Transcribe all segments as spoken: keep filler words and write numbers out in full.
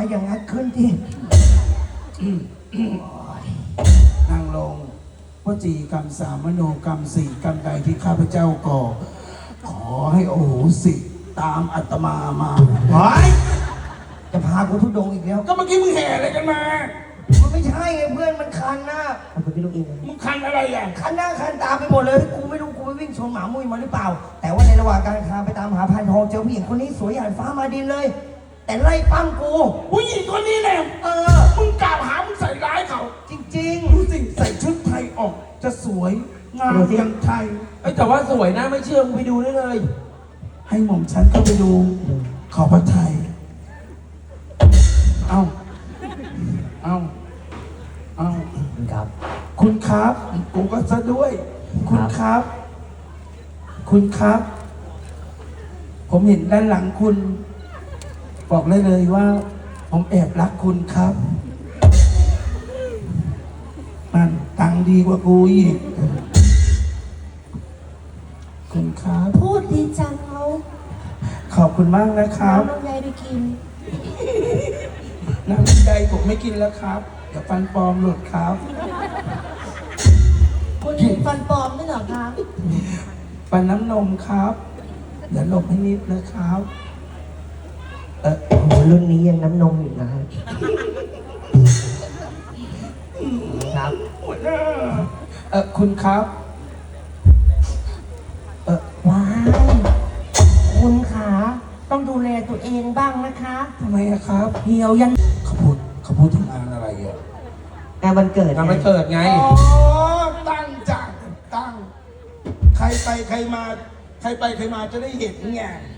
อย่างงัดขึ้นที่นั่งลงวจีกรรมสามมโนกรรมสี่กรรมใดที่ข้าพเจ้าก่อขอให้โอโหสิตามอาตมามาเฮ้ยจะพากูทุดงอีกแล้วก็เมื่อกี้มึงแห่อะไรกันมามันไม่ใช่ไงเพื่อนมันคันหน้าเอาไปพี่ลูกอินมึงคันอะไรอ่ะคันหน้าคันตาไปหมดเลยกูไม่รู้กูไปวิ่งชนหมามุ้ยมาหรือเปล่าแต่ว่าในระหว่างการคาไปตามหาพันทองเจอผู้หญิงคนนี้สวยหยาดฟ้ามาดินเลยแต่ไล่ปั้มกูผู้หญิงคนนี้แหละเออมึงกล่าวหามึงใส่ร้ายเขาจริงๆดูสิใส่ชุดไทยออกจะสวยงามอย่างไทยไอ้แต่ว่าสวยนะไม่เชื่อมึงไปดูได้เลยให้หม่อมฉันเข้าไปดูขอพระไทยเอาเอาเอาครับคุณครับกูก็ซะด้วยคุณครับคุณครับผมเห็นด้านหลังคุณบอกเลยเลยว่าผมแอบรักคุณครับมันตังดีกว่ากูอีกคุณครับพูดดีจังเขาขอบคุณมากนะครับน้ำลำไยไปกินน้ำลำไยผมไม่กินแล้วครับเดี๋ยวฟันปลอมหลุดครับคุณเห็นฟันปลอมไม่เหรอคะฟันน้ำนมครับเดี๋ยวหลบให้นิดนะครับเออโอ้โหรุ่นนี้ยังน้ำนมอยู่นะฮะครับเออคุณครับเออว้ายคุณขาต้องดูแลตัวเองบ้างนะคะทำไมอะครับเหี่ยวยันเขาพูดเขาพูดถึงงานอะไรอะงานวันเกิดงานวันเกิดไงอ๋อตั้งจังตั้งใครไปใครมาใครไปใครมาจะได้เห็นไง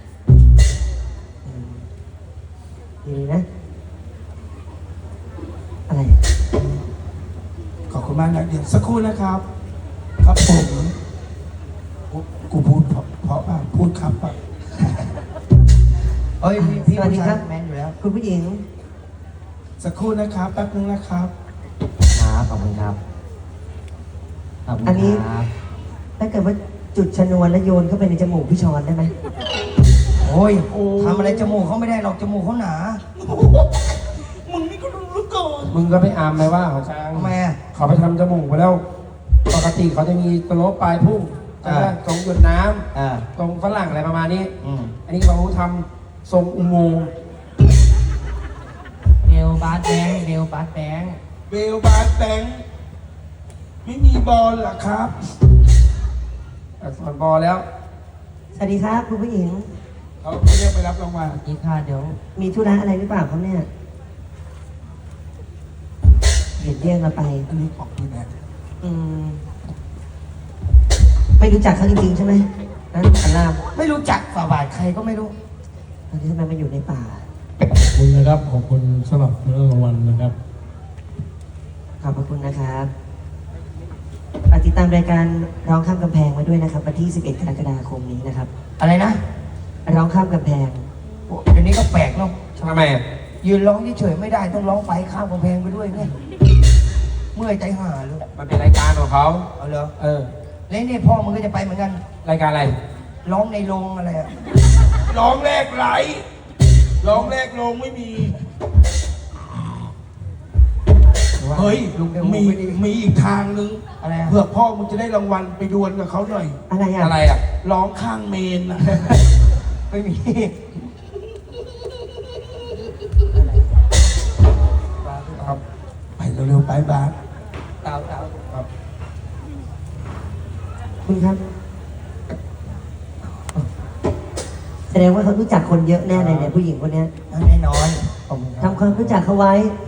ดีนะอะไรขอบคุณมากนะเดี๋ยวสักครู่นะครับครับผมกูพูดเพราะเพราะป่ะพูดครับป่ะเอ้ยพี่สวัสดีครับแมนอยู่แล้วคุณผู้หญิงสักครู่นะครับแป๊บนึงนะครับครับขอบคุณครับอันนี้ถ้าเกิดว่าจุดชนวนแล้วโยนเข้าไปในจมูกพี่ชอนได้ไหมโอ้ยทำอะไรจมูกเขาไม่ได้หรอกจมูกเขาหนามึงนี่ก็รู้ก่อนมึงก็ไปอามไปว่าเขาช้างทำไมเขาไปทำจมูกไปแล้วปกติเขาจะมีตะโลปลายพุ่งตรงหยดน้ำตรงฝรั่งอะไรประมาณนี้อันนี้เขาทำทรงอุโมงค์เบลบาสแบงเบลบาสแบงเบลบาสแบงไม่มีบอลหรอครับสอนบอลแล้วสวัสดีครับคุณผู้หญิงเขาเรียกไปรับรางวัลอีกค่ะเดี๋ยวมีธุระอะไรหรือเปล่าครับเนี่ยเห็นเรียกเราไปอันนี้ของพี่แม่อืมไม่รู้จักเขาจริงๆใช่ไหมนั่นอันลามไม่รู้จักฝ่าบาทใครก็ไม่รู้ตอนนี้ทำไมมาอยู่ในป่าขอบคุณนะครับขอบคุณสำหรับเรื่องรางวัลนะครับขอบพระคุณนะครับติดตามรายการร้องข้ามกำแพงมาด้วยนะครับวันที่สิบเอ็ดกรกฎาคมนี้นะครับอะไรนะร้องข้ามกำแพงเดี๋ยวนี้ก็แปลกเนาะทำไมยืนร้องเฉยๆไม่ได้ต้องร้องไปข้ามกำแพงไปด้วยเนี่ยเมื่อยใจห่าเลยมันเป็นรายการของเขาเอาเหรอเออแล้วนี่พ่อมึงก็จะไปเหมือนกันรายการอะไรร้องในโรงอะไรอะร้องแรกไหลร้องแรกโรงไม่มีเฮ้ยมีมีอีกทางนึงอะไรเผื่อพ่อมึงจะได้รางวัลไปดวลกับเขาหน่อยอะไรอะอะไรอะร้องข้างเมนอะไม่มีครับไปเร็วๆไปบ้านตาวตาวครับคุณครับแสดงว่าเขารู้จักคนเยอะแน่เลยเนี่ยผู้หญิงคนนี้แน่นอนทำความรู้จักเขาไว้